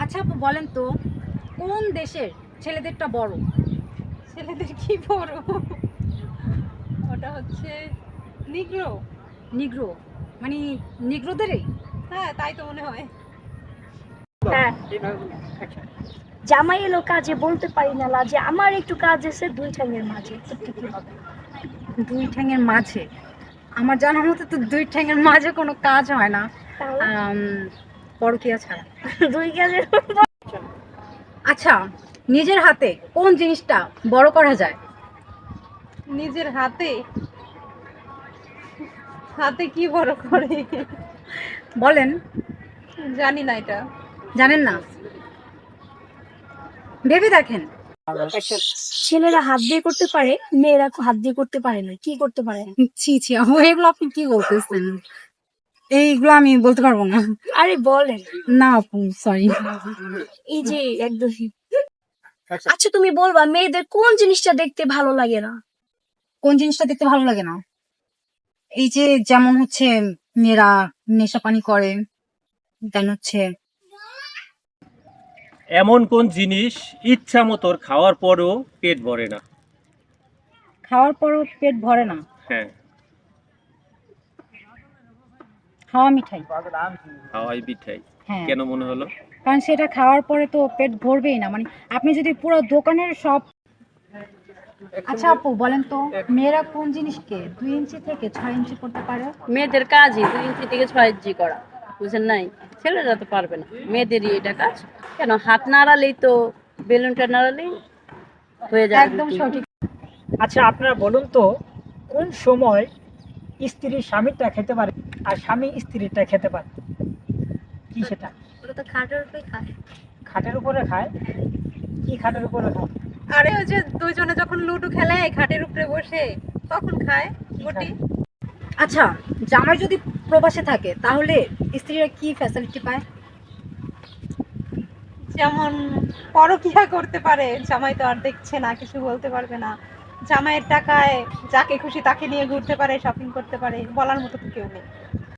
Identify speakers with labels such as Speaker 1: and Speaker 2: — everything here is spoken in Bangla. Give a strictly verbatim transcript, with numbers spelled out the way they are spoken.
Speaker 1: আচ্ছা আপু বলেন তো, কোন দেশের ছেলেদেরটা বড়?
Speaker 2: ছেলেদের কি বড়? ওটা হচ্ছে নিগ্রো।
Speaker 1: নিগ্রো মানে নিগ্রোদেরই?
Speaker 2: হ্যাঁ, তাই তো মনে হয়।
Speaker 3: হ্যাঁ, জামাই এলো কাজে বলতে পারি না লাজে, আমার একটু কাজ আছে দুই ঠ্যাঙের মাঝে, একটু কি হবে?
Speaker 1: দুই ঠ্যাঙের মাঝে? আমার জানার মতো তো দুই ঠ্যাঙের মাঝে কোনো কাজ হয় না,
Speaker 3: তাহলে
Speaker 1: আম, পরকীয়া ছাড়া।
Speaker 3: দুই কাজের
Speaker 1: আচ্ছা, নিজের হাতে কোন জিনিসটা বড় করা যায়?
Speaker 2: নিজের হাতে? হাতে কি বড় করে?
Speaker 1: বলেন।
Speaker 2: জানি না এটা।
Speaker 1: জানেন না? ভেবে দেখেন।
Speaker 3: ছেলেরা হাত দিয়ে করতে পারে, মেয়েরা হাত দিয়ে করতে পারে না, কি করতে পারে?
Speaker 1: ছি ছি আপু, এগুলো আপনি কি বলতেছেন? এইগুলো আমি বলতে পারবো না।
Speaker 3: আরে বলেন
Speaker 1: না আপু, সরি।
Speaker 3: এই যে একদম। আচ্ছা তুমি বলবা মেয়েদের কোন জিনিসটা দেখতে ভালো লাগে না?
Speaker 1: কোন জিনিসটা দেখতে ভালো লাগে না? এই যে যেমন হচ্ছে মেয়েরা নেশা পানি করে, দেন হচ্ছে
Speaker 4: এমন কোন জিনিস ইচ্ছা মতো খাওয়ার পরেও পেট ভরে না?
Speaker 1: খাওয়ার পরও পেট ভরে না।
Speaker 4: হ্যাঁ,
Speaker 1: খাওয়া মিঠাই।
Speaker 4: হাওয়াই পিঠাই।
Speaker 1: হ্যাঁ,
Speaker 4: কেন মনে হলো?
Speaker 1: কারণ সেটা খাওয়ার পরে তো পেট ভরবেই না, মানে আপনি যদি পুরো দোকানের সব। আচ্ছা আপু বলেন তো, মেয়েরা কোন জিনিসকে দুই ইঞ্চি থেকে ছয় ইঞ্চি করতে পারে?
Speaker 5: মেয়েদের কাজই দুই ইঞ্চি থেকে ছয় ইঞ্চি করা, বুঝেন নাই? ছেলেরা তো পারবে না, মেয়েদেরই এটা কাজ। কেন, হাত নাড়ালেই তো, বেলুনটা নাড়ালেই হয়ে যায়।
Speaker 1: একদম সঠিক।
Speaker 6: আচ্ছা আপনারা বলুন তো, কোন সময় স্ত্রী স্বামীরটা খেতে পারে আর স্বামী স্ত্রীরটা খেতে পারে? কি সেটা?
Speaker 3: ওরা তো খাটের উপরে খায়।
Speaker 6: খাটের উপরে খায়? কি খাটের উপরে খায়?
Speaker 2: আরে ওই যে দুইজনে যখন লুডো খেলে খাটের উপরে বসে, তখন খায় গুটি।
Speaker 1: আচ্ছা, জামাই যদি প্রবাসে থাকে তাহলে স্ত্রীরা কি ফ্যাসিলিটি পায়?
Speaker 2: যেমন পরকিয়া করতে পারে, জামাই তো আর দেখছে না, কিছু বলতে পারবে না। জামাইয়ের টাকায় যাকে খুশি তাকে নিয়ে ঘুরতে পারে, শপিং করতে পারে, বলার মতো তো কেউ নেই।